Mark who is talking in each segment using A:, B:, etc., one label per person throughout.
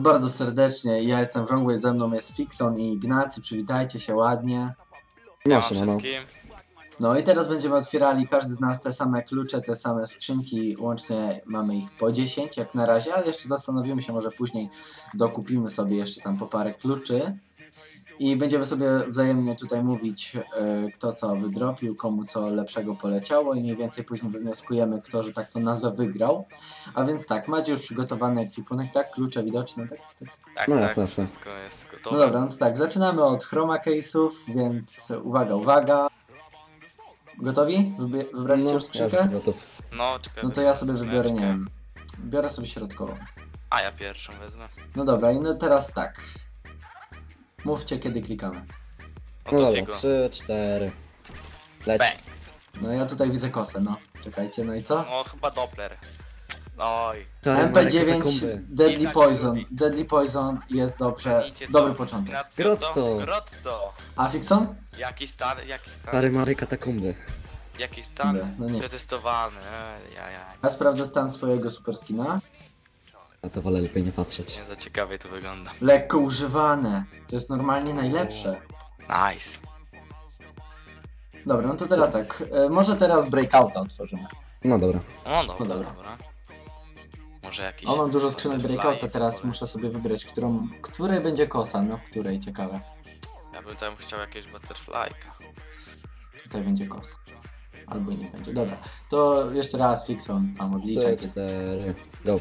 A: bardzo serdecznie. Ja jestem Wrongway, ze mną jest Fixon i Ignacy. Przywitajcie się ładnie.
B: No,
C: wszystkim.
A: No i teraz będziemy otwierali każdy z nas te same klucze, te same skrzynki. Łącznie mamy ich po 10 jak na razie, ale jeszcze zastanowimy się, może później dokupimy sobie jeszcze tam po parę kluczy. I będziemy sobie wzajemnie tutaj mówić, kto co wydropił, komu co lepszego poleciało i mniej więcej później wywnioskujemy, kto, że tak to nazwę, wygrał. A więc tak, macie już przygotowany ekwipunek, tak? Klucze widoczne, tak?
C: Tak,
B: No
C: tak,
B: jasne, jasne.
C: wszystko jest
A: No
C: gotowe.
A: dobra, no to tak, zaczynamy od chroma case'ów, więc uwaga. Gotowi? Wybraliście już
B: Ja
A: skrzynkę?
B: jestem gotów.
C: No, czekaj.
A: No to ja sobie
C: skrzyneczkę.
A: wybiorę, nie wiem. Biorę sobie środkową.
C: A ja pierwszą wezmę.
A: No dobra, i no teraz tak. Mówcie, kiedy klikamy.
C: No
B: No
C: to
B: dobra,
C: figo.
B: 3, 4. Leć.
C: Bang.
A: No ja tutaj widzę kosę, no. Czekajcie, no i co?
C: No chyba Doppler. Oj.
A: MP9 Deadly
C: Izak
A: Poison.
C: lubi.
A: Deadly Poison jest dobrze.
C: Widzicie co?
A: Dobry początek.
C: Ignacio,
B: Grotto.
C: co? Grotto.
A: A Fixon?
C: Jaki stan, jaki stan,
B: Stary Mary katakumby.
C: jaki stan?
A: No nie.
C: Przetestowany.
A: Ja sprawdzę stan swojego super skina.
B: A to wolę lepiej nie patrzeć.
C: Nie za ciekawie to wygląda.
A: Lekko używane. To jest normalnie najlepsze.
C: Nice.
A: Dobra, no to teraz tak. Może teraz breakouta otworzymy.
B: No dobra.
C: No dobra,
A: No dobra.
C: dobra. Może jakiś...
A: O, mam dużo skrzynek
C: butterfly,
A: breakouta, teraz
C: powiem.
A: muszę sobie wybrać, której będzie kosa, no w której, ciekawe.
C: Ja bym tam chciał jakieś butterflyka.
A: Tutaj będzie kosa. Albo i nie będzie. Dobra, to jeszcze raz Fixon, tam odliczaj.
B: 3, 4. Go.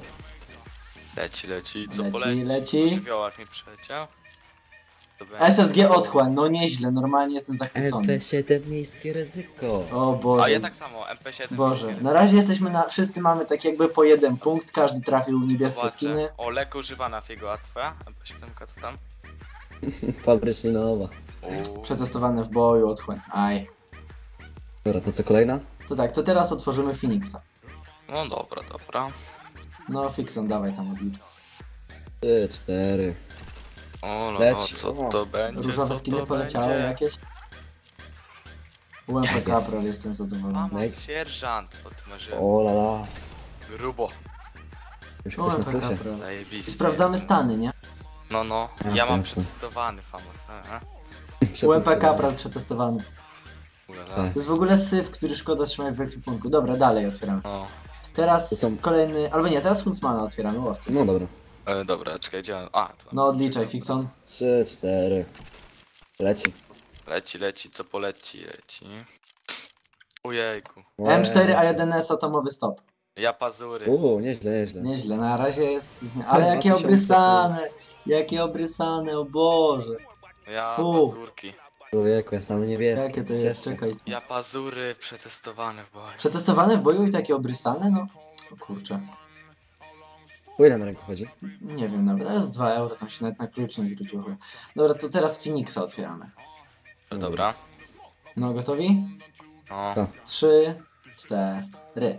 C: Leci, co
A: Leci,
C: poleci?
A: leci.
C: Żywiołak mi przeleciał. To będzie-
A: SSG otchłań, no nieźle, normalnie jestem zachwycony.
B: MP7 miejskie ryzyko.
A: O
C: A
A: Boże.
C: ja tak samo, MP7.
A: Boże, na razie jesteśmy wszyscy mamy tak jakby po jeden punkt, każdy trafił niebieskie
C: Zobaczę.
A: skiny.
C: O, lekko używana figo, a twoja? MP7 co tam?
B: Fabrycznie nowa.
A: Przetestowane w boju, otchłań. Aj.
B: Dobra, to co kolejna?
A: To tak, to teraz otworzymy Phoenixa.
C: No dobra.
A: No Fixon, dawaj tam odlicz.
B: 3, 4.
C: O, no,
B: Leci.
C: co to będzie?
A: Różowe
C: co
A: skiny
C: to
A: poleciały
C: będzie?
A: jakieś? UMP Caprol, jestem zadowolony.
C: Mama,
B: Next.
C: sierżant, o ty masz
B: O la la.
C: grubo,
B: Już ktoś na
A: UMP
B: plusie.
A: Caprol.
C: zajebisty.
A: Sprawdzamy
C: jestem.
A: stany, nie?
C: No, ja
B: Jasne,
C: mam
B: jasne.
C: przetestowany famos,
A: UMP Caprol przetestowany.
C: Ulala.
B: Tak.
A: To jest w ogóle syf, który szkoda trzymać w ekwipunku. Dobra, dalej otwieramy.
C: No,
A: Teraz
B: To są-
A: kolejny, albo nie, teraz Huntsmana otwieramy, łowcy.
B: No dobra.
C: dobra, czekaj, gdzie on? A, tu.
A: No odliczaj, Fixon.
B: 3, 4. Leci.
C: Leci, co poleci. Ujejku.
A: M4A1S atomowy stop.
C: Ja pazury.
B: Nieźle.
A: Nieźle, na razie jest... Ale jakie
B: 2000
A: obrysane!
B: plus.
A: Jakie obrysane, o Boże!
C: Ja
A: Fu.
C: pazurki.
B: Człowieku, ja sam niebieski.
A: Jakie to jest,
B: Cieszę.
A: czekaj.
C: Ja pazury przetestowane w boju.
A: Przetestowane w boju i takie obrysane? No, o kurczę.
B: Po ile na ręku chodzi?
A: Nie wiem nawet, ale z 2 euro, tam się nawet na klucz nie zwróciło chyba. Dobra, to teraz Phoenixa otwieramy.
C: No dobra.
A: No, gotowi?
C: No.
B: Tak.
A: 3, 4.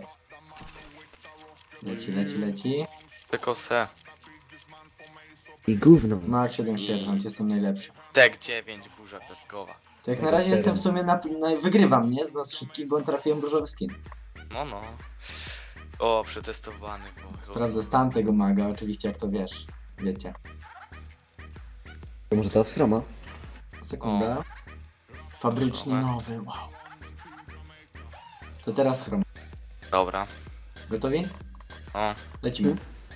A: Leci.
C: Tylko se.
B: I gówno.
A: Mark 7 sierżant, jestem najlepszy.
C: Tek 9, burza piaskowa.
A: To jak na razie jestem w sumie wygrywam, nie? Z nas wszystkich, bo trafiłem różowy skin.
C: No. O, przetestowany.
A: Sprawdzę stan tego maga, oczywiście jak to wiesz. Wiecie.
B: To może teraz chroma?
A: Sekunda. Fabrycznie
C: Chroma.
A: nowy, wow. To teraz chrom.
C: Dobra.
A: Gotowi?
C: O,
A: Lecimy.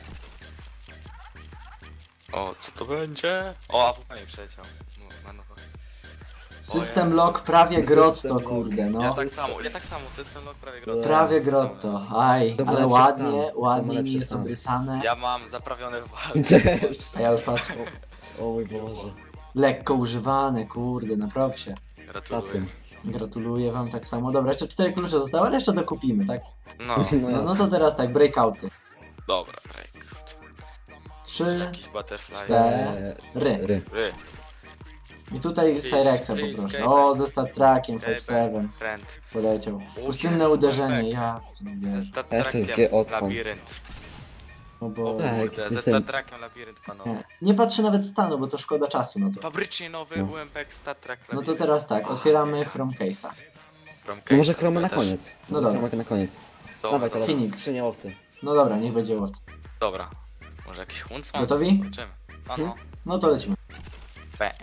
C: co to będzie? O, a mi przeleciał. No,
A: System
C: Jezu.
A: lock prawie
B: System
A: grotto,
B: lock.
A: kurde,
C: Ja
A: no.
C: tak samo, system lock prawie grotto.
A: Prawie grotto, aj,
B: To ma
A: ale
B: lepszy
A: ładnie,
B: stan. To ma
A: ładnie,
B: lepszy
A: nie jest
B: stan.
A: obrysane.
C: Ja mam zaprawione w walce.
B: Też.
A: A ja już patrzę.
B: O mój Boże.
A: Lekko używane, kurde, na propsie.
C: Gratuluję.
B: Pracy.
A: Gratuluję wam tak samo. Dobra, jeszcze 4 klucze zostały, ale jeszcze dokupimy, tak?
C: No,
A: No to teraz tak, breakouty.
C: dobra, break.
A: 3,
C: Jakiś butterfly.
A: 4.
B: Ry.
C: Ry.
A: I tutaj Cyrexa poproszę. O, ze Star Trackiem 5-7
C: Friend.
A: poleciał.
C: O,
A: Pustynne
C: jest,
A: uderzenie,
C: tak.
A: ja nie.
C: Ze Star
B: SSG
C: Trekiem
B: odpad.
C: labirynt.
A: No
C: O
A: bo...
B: Tak,
C: kurde, ze
B: system.
C: Star Trekiem labirynt, panowie.
A: Nie patrzę nawet stanu, bo to szkoda czasu na to.
C: Fabrycznie nowy
B: No.
C: UMP Star Trek
A: No to
C: labirynt.
A: teraz tak, otwieramy Chrome Case'a.
C: From
B: No
C: Case
B: może chromę na
C: też.
B: koniec.
A: No dobra.
B: Chromę na koniec.
C: Dobra,
B: Dawaj teraz
A: Phoenix.
B: skrzynia owcy.
A: No dobra, niech będzie łowca.
C: Dobra. Może jakiś Huntsman?
A: Gotowi?
C: Zobaczymy. A no.
A: No to lecimy.
C: Bang.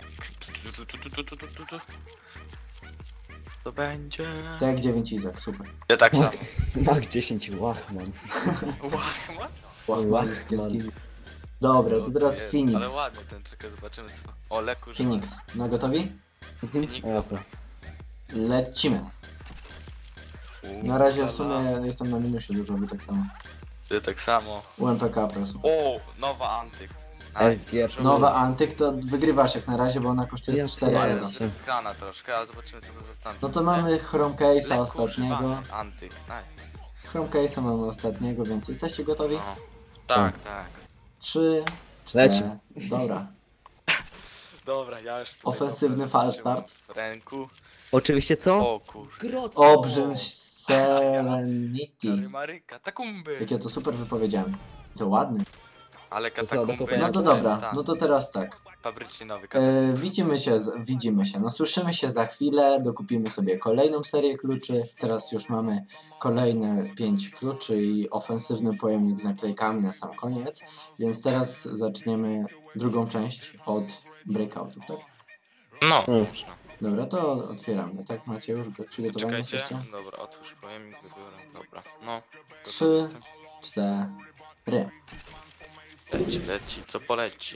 C: To będzie...
A: Tak, 9 Izak, super.
C: Ja tak samo.
B: Mach 10 łachman.
C: Łachman?
A: Łachmańskie
B: Łachman.
A: skilli. Dobra, to teraz
C: Jest,
A: Phoenix.
C: Ale ładny ten, czekaj, zobaczymy co. O, leku, że...
A: Phoenix. No gotowi?
C: Phoenix,
B: No jasne.
A: Lecimy. Na razie w sumie jestem na minusie dużo, wy tak samo.
C: Ty tak samo.
A: UMPK proszę.
C: O, nowa antyk.
B: SG.
A: Nowa Antyk to wygrywasz jak na razie, bo ona kosztuje
B: Ja
A: 4
B: pierdolę.
A: euro.
C: To jest skana troszkę, ale zobaczymy co to za stan.
A: No to mamy Chrome Case'a
C: Lekko
A: ostatniego.
C: używany antyk, nice.
A: Chrome Case'a mamy ostatniego, więc jesteście gotowi?
C: No. Tak, tak.
A: 3,
B: Lecimy.
A: Dobra.
C: Dobra, ja już... tutaj
A: Ofensywny
C: dobra
A: fal
C: trzymam
A: start.
C: w ręku.
B: Oczywiście co?
C: O kur...
B: Grot.
A: Obrzyn Serenity.
C: Maryka, takumby.
A: Jak ja to super wypowiedziałem. To ładny.
C: Ale
B: co,
C: katakumby...
B: no to
A: No
C: jak
A: to
B: jest
A: dobra,
C: stan.
A: no to teraz tak.
C: Fabrycznie nowy
A: Widzimy się, no słyszymy się za chwilę, dokupimy sobie kolejną serię kluczy, teraz już mamy kolejne 5 kluczy i ofensywny pojemnik z naklejkami na sam koniec, więc teraz zaczniemy drugą część od breakoutów, tak?
C: No,
B: Mm.
C: można.
A: Dobra, to otwieramy, tak? Macie już przygotowani
C: Czekajcie.
A: jesteście?
C: Dobra, otwórz pojemnik, wybiorę. Dobra, no.
A: 3, 4.
C: Leci, co poleci.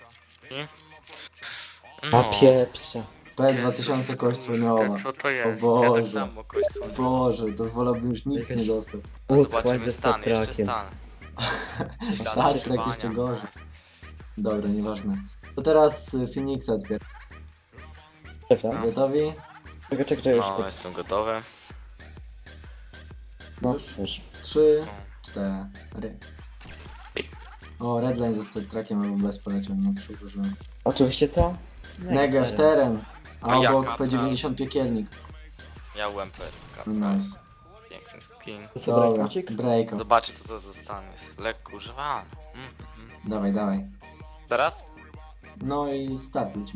B: A pieprze.
A: P2000 kość słoniowa.
C: Co to jest?
A: O
C: Ja
A: Boże.
C: tak samo kość słoniowa.
A: Boże, to wolałbym już nic nie dostać.
B: Łódź
C: Zobaczymy
B: ze
C: stan, jeszcze
B: statrakiem.
C: stan.
A: Star Trek jeszcze gorzej. Dobra, nieważne. To teraz Phoenixa otwieram.
B: Szefa.
A: Gotowi?
B: Czekaj, już.
C: No, jestem gotowy.
B: No,
A: Już?
B: już.
A: 3,
C: No.
A: 4. O, Redline ze Star Trekiem albo bez poleciał, nie przyłożyłem.
B: Oczywiście co?
A: Negev teren, a
C: No
A: obok
C: jaka
A: P90 piekielnik.
C: Ja UMP.
A: Nice.
C: Piękny skin.
B: To sobie
A: Dobra,
B: rekrucik?
A: breakout.
C: Zobaczcie co to za stan jest. Lekko używany.
A: Dawaj, dawaj.
C: Teraz?
A: No i start lecimy.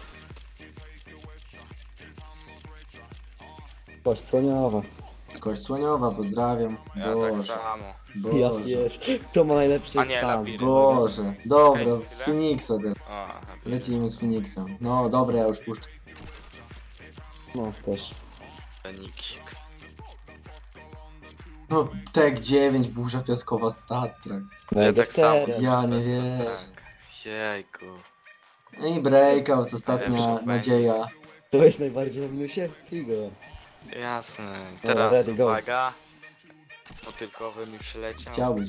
B: Kość słoniowa.
A: Kość słoniowa, pozdrawiam.
C: Ja tak
A: Boże,
C: samo.
B: Ja
A: Boże,
B: wiesz, to ma najlepszy
C: A nie,
B: stan.
C: labirynt.
A: Boże. Dobra,
C: Okej, chwilę.
A: Phoenixa teraz.
C: O,
A: Lecimy z Phoenixem. No dobra, ja już puszczę.
B: No, też.
C: Feniksik.
A: No, Tek 9, burza piaskowa Star Trek.
C: Ja tak samo.
A: Ja nie wierzę.
C: Jejku.
A: No i breakout, ostatnia
C: Najlepszy
A: nadzieja.
B: To jest najbardziej na minusie? Figo.
C: Jasne.
B: Dobra,
C: Teraz
B: ready, go.
C: uwaga. Motylkowy mi przyleciał.
A: Chciałbyś.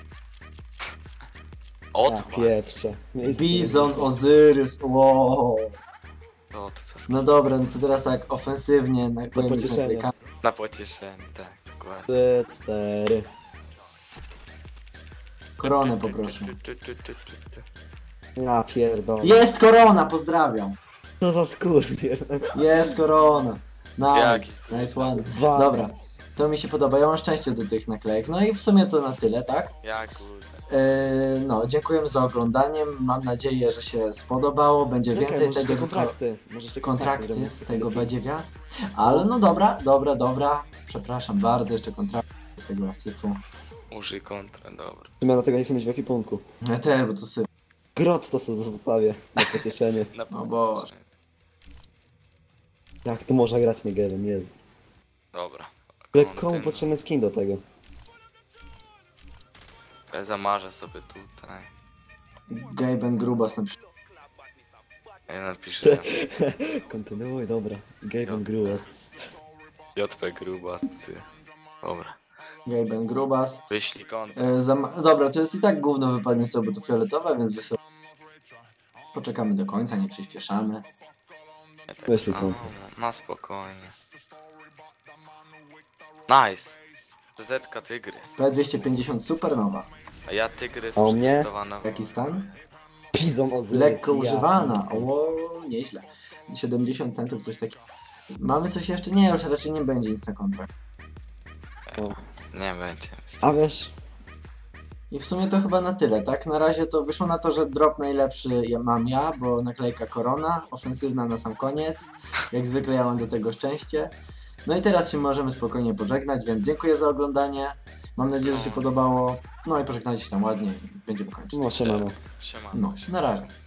B: A
C: Otwórz.
B: pieprze. Miejsce.
A: Bizon, Ozyrys, wow.
C: O, to co
A: No dobra, no to teraz tak ofensywnie na pojemnik z
B: pocieszenie.
A: naklejkami.
C: na pocieszenie, tak, dokładnie.
B: 3, 4.
A: Koronę poproszę.
B: Ja pierdolę.
A: Jest korona, pozdrawiam.
B: Co za skurwiel.
A: Jest korona. Nice,
C: Jaki?
A: nice one.
B: Dwa.
A: Dobra, to mi się podoba, ja mam szczęście do tych naklejek. No i w sumie to na tyle, tak?
C: Ja kurde.
A: No, dziękuję za oglądanie. Mam nadzieję, że się spodobało. Będzie
B: Czekaj,
A: więcej
B: może
A: tego.
B: jeszcze kontrakty. Może jeszcze
A: Kontrakty
B: zrobimy.
A: z tego badziewiat. Ale no dobra. Przepraszam bardzo, jeszcze kontrakty z tego syfu.
C: Użyj kontra, dobra.
B: Ja dlatego nie chcę mieć w ekwipunku.
A: Ja też, bo to syf.
B: Grot to sobie zostawię na pocieszenie.
C: Na
A: O Boże.
B: Jak tu można grać Negerem, jest.
C: Dobra.
B: Ale komu
C: Kontynu-
B: potrzebny skin do tego?
C: Ja zamarzę sobie tutaj.
A: Gaben Grubas na przykład.
C: Ja napiszę
B: Kontynuuj, dobra. Gaben Gruas.
C: JP Grubas, ty. Dobra.
A: Gaben Grubas.
C: Wyślij kontra.
A: Dobra, to jest i tak gówno wypadnie sobie, bo to fioletowe, więc sobie poczekamy do końca, nie przyspieszamy.
C: Ja tak
B: Wyślij
C: samo,
B: kontra.
C: na spokojnie. Nice. Zetka Tygrys.
A: P250 Supernowa.
C: A ja Tygrys
B: A u mnie?
C: przetestowano.
A: Jaki stan?
B: Bizon Ozyrys.
A: Lekko
B: ja.
A: używana. O, nieźle. 70 centów, coś takiego. Mamy coś jeszcze? Nie, już raczej nie będzie nic na kontrakt.
C: Nie będzie.
B: A wiesz,
A: I w sumie to chyba na tyle, tak? Na razie to wyszło na to, że drop najlepszy mam ja, bo naklejka Korona, ofensywna na sam koniec. Jak zwykle ja mam do tego szczęście. No i teraz się możemy spokojnie pożegnać, więc dziękuję za oglądanie. Mam nadzieję, że się podobało. No i pożegnajcie się tam ładnie i będziemy kończyć.
B: No, siemano.
C: Siemano.
A: No, na razie.